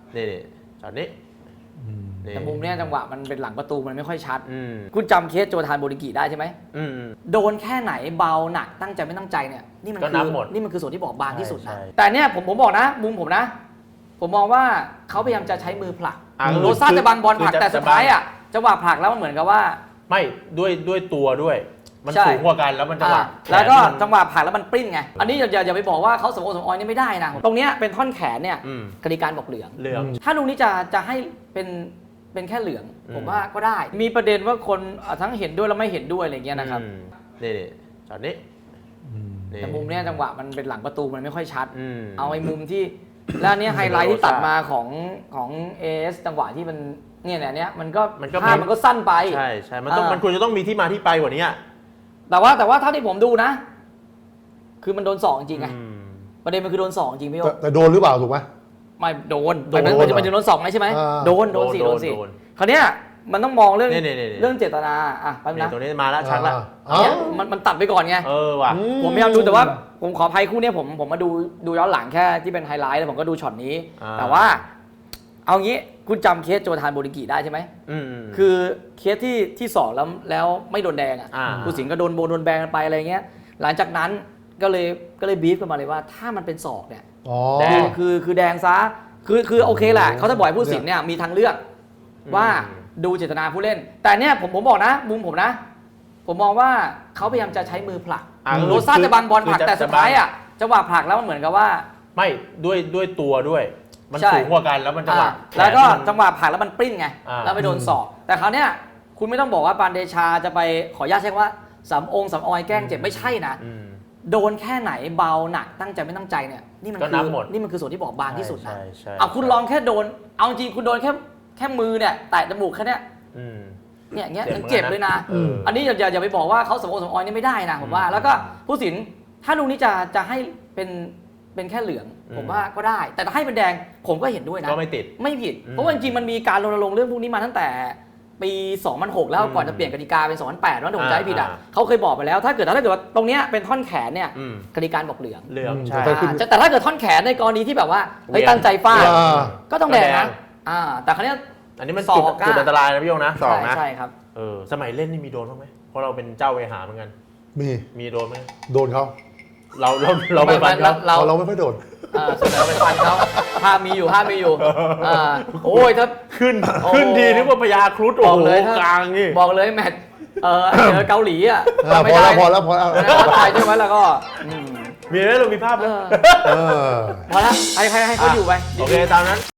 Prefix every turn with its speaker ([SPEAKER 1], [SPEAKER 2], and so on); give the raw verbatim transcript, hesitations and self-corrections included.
[SPEAKER 1] นี่ตอนนี้
[SPEAKER 2] แต่มุมเนี้ยจังหวะมันเป็นหลังประตูมันไม่ค่อยชัดคุณจำเคสโจทานโบริกิได้ใช่ไหมโดนแค่ไหนเบาหนักตั้งใจไม่ตั้งใจเนี่ยนี่มันคือนี่มันคือส่วนที่บอกบางที่สุดนะแต่เนี่ยผมผมบอกนะมุมผมนะผมมองว่าเขาพยายามจะใช้มือผลักโรซ่าจะบังบอลผลักแต่สุดท้ายอ่ะจังหวะผลักแล้วมันเหมือนกับว่า
[SPEAKER 1] ไม่ด้วยด้วยตัวด้วยมันสูงกว่ากันแล้วมันจังหวะ
[SPEAKER 2] แล้วก็จังหวะผลักแล้วมันปริ้นไงอันนี้อย่าอย่าไปบอกว่าเขาสมโอสมออยนี่ไม่ได้นะตรงเนี้ยเป็นท่อนแขนเนี่ยกติการบอกเหลือง
[SPEAKER 1] เหลือง
[SPEAKER 2] ถ้าลูกนี้จะจะให้เป็นเป็นแค่เหลืองผมว่าก็ได้มีประเด็นว่าคนทั้งเห็นด้วยและไม่เห็นด้วยอะไรเงี้ยนะครับ
[SPEAKER 1] นี่ตอนนี้
[SPEAKER 2] แต่มุมเนี้ยจังหวะมันเป็นหลังประตูมันไม่ค่อยชัดเอาไอ้มุมที่แล้วเนี้ยไฮไลท์ที่ตัดมาของของเอสจังหวะที่มันเนี่ยเนี่ยเนี้ยมันก็ภาพมันก็สั้นไป
[SPEAKER 1] ใช่ใช่มันต้องมันควรจะต้องมีที่มาที่ไปกว่านี้
[SPEAKER 2] แต่ว่าแต่ว่าเท่าที่ผมดูนะคือมันโดนสองจริงไงประเด็นมันคือโดนสองจริงพี่โอ๊
[SPEAKER 3] แต่โดนหรือเปล่าถูกไหม
[SPEAKER 2] ไม่โดนมันมันจะมันจะโดนสองไหมใช่ไหมโดนโดนสี่โดนสี่คราวเนี้ยมันต้องมองเรื่องเรื่องเจตนาอ่ะแป๊บนึงนะ
[SPEAKER 1] ตัวนี้มาแล้วชัดละ
[SPEAKER 2] เนี่ยมันมันตัดไปก่อนไง
[SPEAKER 1] เออว่ะ
[SPEAKER 2] ผมพยายามดูแต่ว่าผมขออภัยคู่นี้ผมผมมาดูดูย้อนหลังแค่ที่เป็นไฮไลท์แล้วผมก็ดูช็อตนี้แต่ว่าเอางี้คุณจำเคสโจทานโบริกิได้ใช่ไหมคือเคสที่ที่สองแล้วแล้วไม่โดนแดงอ่ะผู้สิงห์ก็โดนโบนโดนแบงกันไปอะไรเงี้ยหลังจากนั้นก็เลยก็เลยบีฟกันมาเลยว่าถ้ามันเป็นศอกเนี่ยคือคือคือแดงซะคือคือโอเคแหละเขาจะบอกผู้สิงห์เนี่ยมีทางเลือกว่าดูเจตนาผู้เล่นแต่เนี่ยผมผมบอกนะมุมผมนะผมมองว่าเขาพยายามจะใช้มือผลักโรซ่าจะบังบอลผลักแต่สุดท้ายอ่ะจังหวะผลักแล้วมันเหมือนกับว่า
[SPEAKER 1] ไม่ด้วยด้วยตัวด้วยมันสูงกว่ากันแล้วมันจังหวะ
[SPEAKER 2] แล้วก็จังหวะผลักแล้วมันปริ้นไงแล้วไปโดนศอกแต่คราวเนี้ยคุณไม่ต้องบอกว่าปานเดชาจะไปขออนุญาตใช้ว่าสำองค์สำออยแกล้งเจ็บไม่ใช่นะโดนแค่ไหนเบาหนักตั้งใจไม่ตั้งใจเนี่ยนี่มันคือนี่มันคือส่วนที่บอกบางที่สุดนะเอาคุณลองแค่โดนเอาจริงคุณโดนแค่แค่มือเนี่ยแตะจมูกแค่เนี้ยเนี่ยอย่างเงี้ยยังเจ็บเลยนะอันนี้อย่าอย่าไปบอกว่าเขาสมโอสมออยนี่ไม่ได้นะผมว่าแล้วก็ผู้สินถ้าลูกนี้จะจะให้เป็นเป็นแค่เหลืองผมว่าก็ได้แต่ถ้าให้เป็นแดงผมก็เห็นด้วยนะ
[SPEAKER 1] ก็ไม่ติด
[SPEAKER 2] ไม่ผิดเพราะว่าจริงๆมันมีการรณรงค์เรื่องพวกนี้มาตั้งแต่ปีสองพันหกแล้วก่อนจะเปลี่ยนกติกาเป็นสองพันแปดแล้วผมจำไม่ผิดอ่ะเขาเคยบอกไปแล้วถ้าเกิดถ้าเกิดว่าตรงเนี้ยเป็นท่อนแขนเนี่ยกติกาบอกเหลือง
[SPEAKER 1] เหลืองใช่
[SPEAKER 2] แต่ถ้าเกิดท่อนแขนในกรณีที่แบบว่าเฮ้ยตั้งใจฟาดก็ต้องแดงนะอ่าแต่ครั้งนี้
[SPEAKER 1] อันนี้มันจุดจุดอันตรายนะพี่โยงนะสองนะ
[SPEAKER 2] ใช่ครับ
[SPEAKER 1] เออสมัยเล่นนี่มีโดนบ้างไหมเพราะเราเป็นเจ้าเวหาเหมือนกัน
[SPEAKER 3] มี
[SPEAKER 1] มีโดนไหม
[SPEAKER 3] โดนเขา
[SPEAKER 1] เราเราเราไปฟันเขา
[SPEAKER 3] เราเราไม่ค่อยโดน
[SPEAKER 2] ส่วนใหญ่เราไปฟันเขาภาพมีอยู่ภาพมีอยู่โอ้ยถ้า
[SPEAKER 1] ขึ้นขึ้นดีนึกว่าพญาครุฑโอ้โหกลางนี่
[SPEAKER 2] บอกเลยแมตช์เออเจอเกาหลีอ่ะ
[SPEAKER 3] พอแล้วพอแล้วพอแล้ว
[SPEAKER 2] ไทยใช่ไหมแล้วก็
[SPEAKER 1] มีไหมเรามีภาพไหม
[SPEAKER 2] พอแล้วให้ให้ให้เขาอยู่ไป
[SPEAKER 1] โอเคตามนั้น